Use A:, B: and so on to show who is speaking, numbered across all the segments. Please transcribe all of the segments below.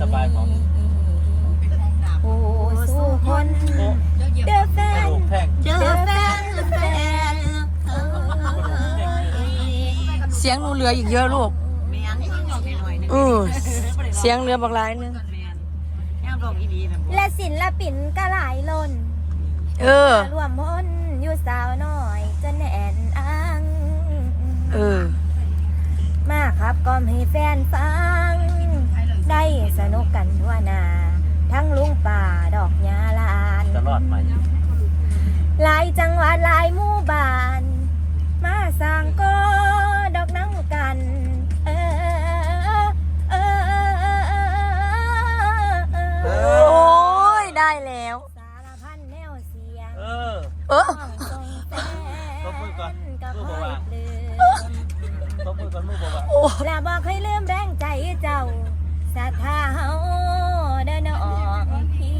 A: บายของ
B: โอ้สู้คนเด้อแฟนเด้อแฟน
C: เสียงหนูเหลืออีกเยอะลูกเสียงเหลือบักหลายนึง
B: และศิลปินก็หลายล้นรวมพลอยู่สาวน้อยจนแน่นอังมาครับกล่อมให้แฟนฟังได้สนุกกันทั่วหน้าทั้งลุงป่าดอกยาลาน
A: จะรอดไหม
B: หลายจังหวัดหลายหมู่บ้านมาสร้างก็ดอกน้ำกัน
C: โอ้ยได้แล้ว
B: สารพันแนวเสียง
A: ต้องมือก่อนมือบอกว่าต้องมือก่อนมือบอกว่า
B: แล้วบอกให้ลืมแรงใจเจ้าศรัทธาเฮาเดินออกพี่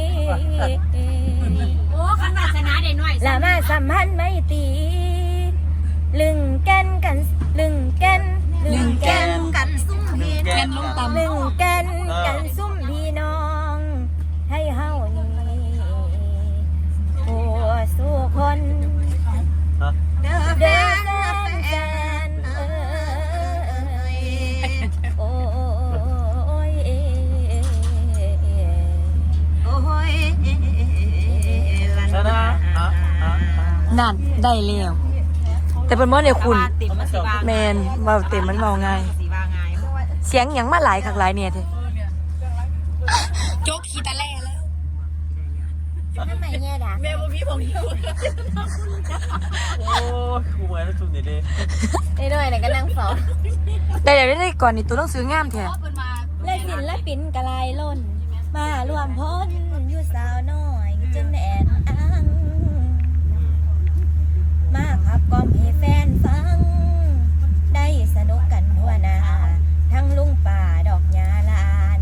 D: โอ้ขันวาสนาได้หน่อย
B: แล้วมาสัมพันธ์ไม่ตีลึงแกนกันลึงแกนกันซุ่มพี่
A: แกนลงต่ำ
B: ลึงแกนกันซุ่มพี่น้องให้เฮานี่โอ้สู้คนเด้อแฟนโอ้ย
A: ชนะ
C: นั่นได้แล้วแต่เป็นว่าเนี่ยคุณแมนว่าเต็มมันเมาไงเสียงอย่างมาหลายคักหลายเนี่ยเธอโจ๊กขีตะแล่แล้ว
B: ทำไมเนี่ยด่า
D: แม่บ่มีของอยู่
A: โอ้กูเหมือนจุดนี้ดิ
B: ได้ด้วยเนี่ยก็นั่งสอน
C: แต่เดี๋ยวได้ก่อนนี่ตัวต้องซื้องามแท้
B: และศิลปินกระลายล้นมารวมพลอยู่สาวน้อยจนแอนอังมาขับกล่อมให้แฟนฟังได้สนุกกันทั่วหน้าทั้งลุงป่าดอกยาลาน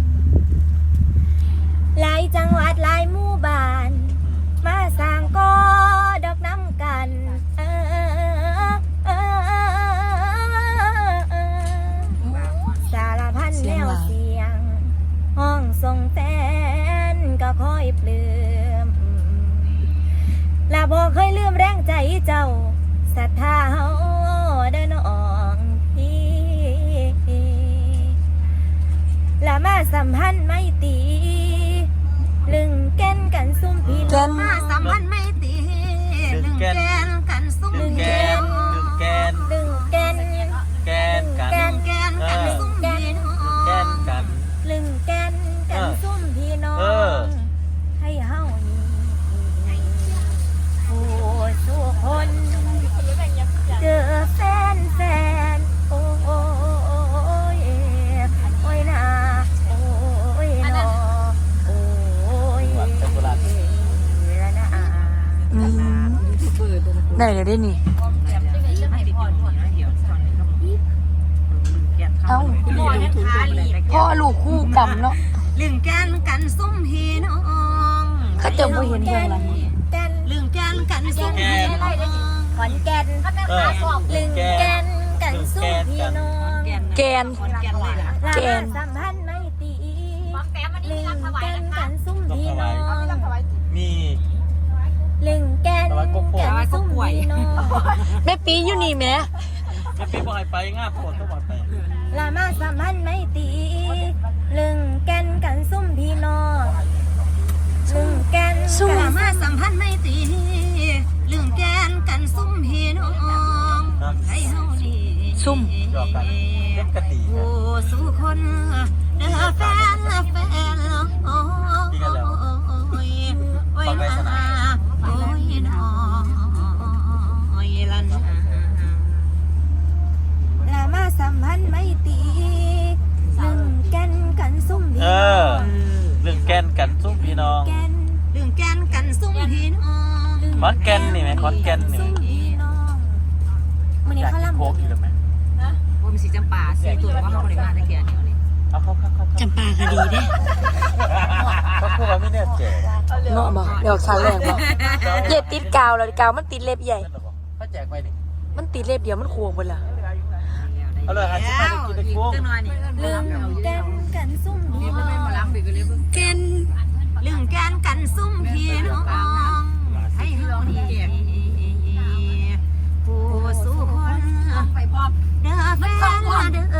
B: หลายจังหวัดหลายหมู่บ้านมาสร้างก็ดอกน้ำกันสารพันแนวเสียงห้องทรงแฟนก็คอยปลื้มและบอกเคยลืมแรงใจเจ้าศรัทธาเฮาเดินออกพี่และมาสัมพันธ์ไม่ตีลึงแกนกันซุ่มพี่น้องมาสัมพันธ์ไม่ตีลึงแกนกันซุ่ม
A: แกน
B: ลึงแกนกันซุ่มพี่น้อง
A: แกนกัน
B: ลึงแกนกันซุ่มพี่น้องให้เฮาโอ้สู้คนเจอแฟนโอ้ยโอ้ยนะโอ้ยนอโอ้ยละนะ
C: ได้เลยได้นี่เอ้าพ่อลูกคู่กรรมเนาะ
B: ลึงแกนกันซุ่มพี่น้อง
C: เขาจะไม่เห็นเรื่องอะไร
B: ลึงแกนกันซุ่มพี่น้องขอนแก่นลึงแกนกันซุ่มพี่น้อง
C: แกน
B: สัมพันธ์ไม่ตีลึงแกนกันซุ่มพี่น้อง
A: มี
B: ลึงแกนกันซุ่มพี่น้อง
C: แม่ปีอยู่นี่แม่
A: แม่ปีบอกให้ไปง่าปวดต้องบอกไป
B: ลามาสัมพันธ์ไม่ตีลึงแกนกันซุ่มพี่น้องลึงแกนลามาสัมพันธ์ไม่ตีลึงแกนกันซุ่มพี่น้องให้เฮาดี
C: ซุ่ม
A: หยอกกันเล่นกะตี
B: โอ้สู้คนเด้อแฟนโอ้ยโอ้ยนะโอ้ยน้อยลันลามาสัมพันธ์ไม่ตีลึงแกนกันซุ่มพี่น้อง
A: ลึงแกนกันซุ่มพี่น้อง
B: ลึงแกนกันซุ่มพี่น้อง
A: คอนแกนนี่ไหมคอนแกนนี่
B: มันนี่เขาลำ
A: โคกอยู่หรือไม่
D: ว่ามีสีจำปาสีตัวว่าเขาบริการตะเกียบเนี่ยนี่
A: เอาเข้า
C: จำปาคดีเด้
A: เขาพูดว่าไม่แน่ใจ
C: เนาะบอกเดี๋ยวครั้งแรกบอกเย็บติดกาวแล้วกาวมันติดเล็บใหญ่
A: เขาแจกไปนี่
C: มันติดเล็บเดียวมันควงไปละ
A: เอาเลยหาชิ้นมากินตะกุ้ง
D: จังหน่อยนี่
B: ลืมกันซุ่มพี่น้อง
C: เกน
D: ลืมแกนกันซุ่มพี่น้องให้เฮานี่ผู้สู้คนไปพร้อมเด้อแฟนเด้อ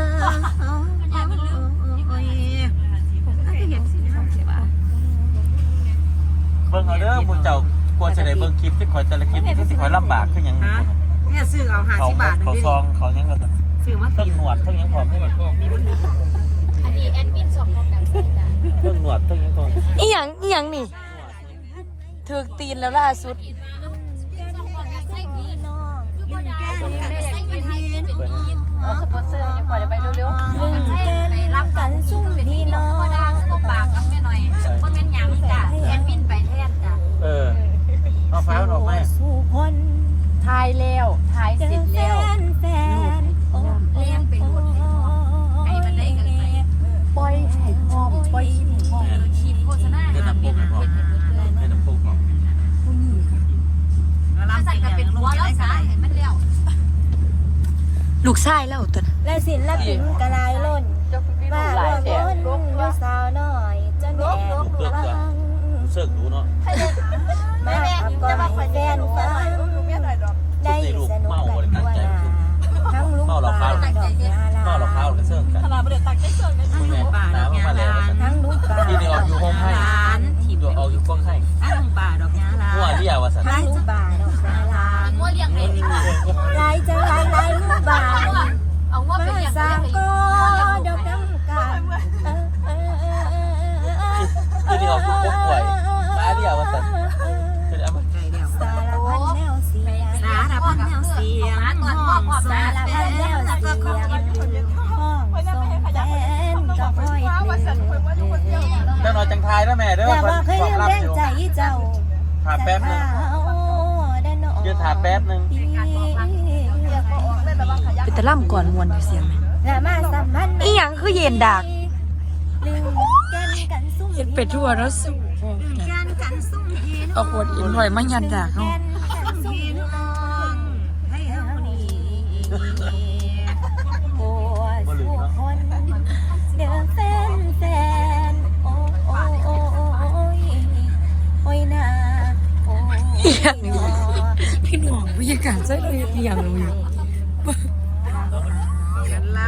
D: โอ้ยเห็นสิเนาะใช่ป่ะ
A: เบิ่งเอาเด้อหมู่เจ้ากลัวจะได้เบิ่งคลิปที่ข่อยแต่ละคลิปที่สิข่อยลำบากคือหยัง
D: เนี่ยซื้อเอา50 บาท
A: เขาซองเขาหยังก็
D: ซื้อมา
A: เพิ่งหนวดเพิ่งหยังพร้อมให้มัน
B: อันนี้แอดมินส่งของกันใส่จ้ะ
A: เพิ่งหนวดเพิ่งหยังพร้อม
C: อีหยังนี่ถึกตีนแล้วล่าสุด
B: สปอนเซอร์ยังปล่อยไปเร็วๆลืมรับกันซุ่มพี่น้อง
D: ปากกับแม่หน่อยบ่แม่นหยังจ้ะแอดมินไปแทนจ้ะ
A: เอาฟ้าออกมา
B: สู่คน
D: ทายแล้วทาย
B: เจอ
D: เสร็จ
B: แฟ
D: แล้ว
B: นโอ้
D: เลี้ยงเป็นหมดให้มันได้กันไปปล่อยให้พร้อมปล่อยให้พร้อมคิดโฆษณา
A: เดี๋ยวน้ำปุ๊กให้พร้อมเดี๋ยวน้ำปุ๊กพร้อม
D: แล้วใส่กันเป็นหัวแล้วซะให้มันแล้ว
C: ลูกชายแล้วตัว
B: และศิลปินกระลายล้นว่าร่วมล้นอยู่สาวน้อยจนแอบฟัง
A: เสิร์ฟดูเนาะ
B: มาขับก่อนให้แฟนฟังได้สนุกกันทั่วหน้าทั้งลุงป่าดอกยาลา
A: เมาหลอกข้าวหรือเสิร์ฟกัน
D: ทั้งลูกป่าดอกยาลาน
B: ทั้งลุงป่า
A: ที่นี่ออกอยู่ห้องให้
D: ลานที่
A: อยู่ออกอยู่กล้องให้
D: ทั้งลูกป่าดอกยาลา
A: หัวเรียวว่าสัน
B: ทั้งลุงป่าดอกยาลาลายจะลายลุงป่ามาสร้างก็ดอกน้ำกัน
A: ที่นี่ออกอยู่กล้องป่วยมาเรียวว่าสันคือเอามา
D: ไกลแล้ว
B: สารพันแนวเสียง
D: สารพันแนวเสียงห้องสา
B: สาร
D: ร
B: พั
D: พั
B: น
D: น
B: แน
D: แน
B: ว
D: ว
B: เสี
D: เสี
B: ย
D: ย
B: ง
D: ง
B: ห้องส่งแฟนก็ค่อยเปลี่ยน
A: เจ้าหน่อยจังทายนะแม่เด้อ
B: แต่ว่าเคยลืมแรงใจเจ้า
A: ถามแป๊บนึงยืนถามแป๊บนึง
C: เป็นตะล่ำก่อนมวนอยู่เสียงไหม
B: และมาสัมพันธ์
C: อีหยังคือเย็นดาก
B: ลืมกันซุ่ม
C: เห็นเป็ดทั่วแล้วสู้
D: แกนกันซุ่มพี่น้
C: เอา
D: อง
C: ขวดอินหอยมายันดากเขา
D: ซุ่มพี่น้องให้เฮานี่
B: โอ้สู้คนเดือแฟนโอ้โอ้โอ้โอ้ยโอ้ยนาโอ้ย
C: พี่หน่องวิญญาณใช่เลยอีหยังเลย
D: กันละ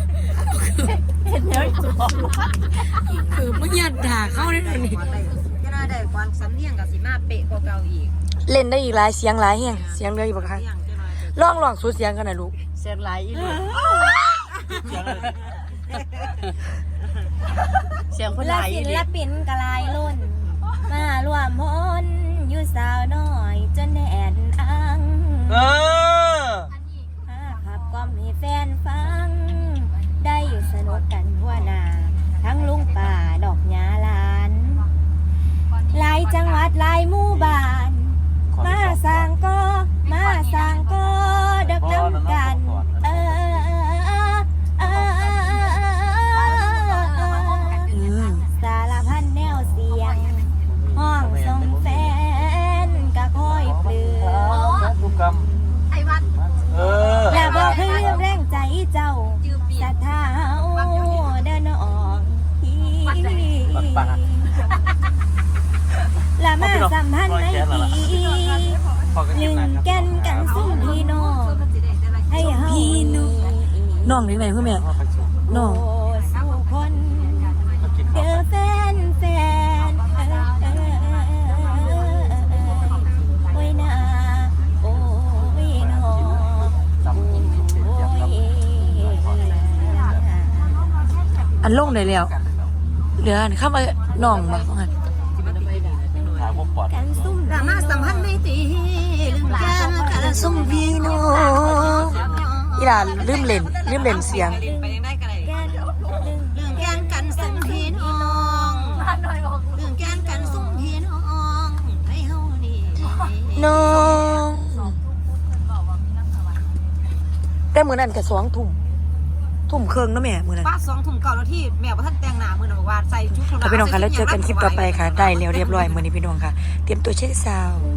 C: คือมายันดากเขาได้เลยนี่
D: จะน่าได้ความสำเนียงกับสิมาเป๊ะกว่าเก่าอีก
C: เล่นได้อีกหลายเสียงหลายแห่งเสียงเลยบอกค่ะ
D: เสียงจะน่าจะ
C: ลองสุดเสียงกันนะลูก
D: เสียงหลายอีหลี เสียงคนห
B: และ
D: ลายอี
B: ศิ
D: หลี
B: ลปินกลายล้นมารวมพลอยู่สาวน้อยจนแน่นอัง ขับกล่อมให้แฟนฟัง ได้อยู่สนุกกันทั่วหน้าทั้งลุงป่าดอกยาลานหลายจังหวัดหลายหมู่บ้าน มาสร้างก็ดอกน้ำกันสารพันแนวเสียง ห้องส่งแฟนก็คอยเปลือ
A: ทุกกรรม
D: ไอ้วัด
B: และบอกให้เรื่องแรงใจเจ้าศรัทธาเดินออกและมาสัมพันธ์ในปีลึงแก่นกันซุ่มพี่น้องให้เฮา
C: น้องนี่ไหนคือแม่น้อง
B: สู้คนเด้อแฟนโอ้ยนาโอ้ยน้อง
C: อันลงได้แล้วเหลืออันข้ามน้องมาของอัน
A: ถามว่าปอด
B: กันซุ่ม
D: รามาสัมพันธ์ในตีลืมแกนกันซุ่มพี่น้อง
C: อีหลานลืมเล่นเสียง
D: ไปยังได้กันเลย
B: แกน
D: ลืมแกนกันซุ่มพี่น้องลืมแกนกันซุ่มพี่น้องให้เฮานี่
C: น้องแต่มื้อนั้นก็2 ทุ่มครึ่งนะแม่มื้อนั้น
D: ป้า2 ทุ่มเก่าแล้วที่แม่ว่าท่านแต่งหน้ามื้อนั้นบอกว่าใส่ชุด
C: ค่ะพี่น้องค่ะแล้วเจอกันคลิปต่อไปค่ะได้แล้วเรียบร้อยมื้อนี้พี่น้องค่ะเตรียมตัวเช็คซาวด์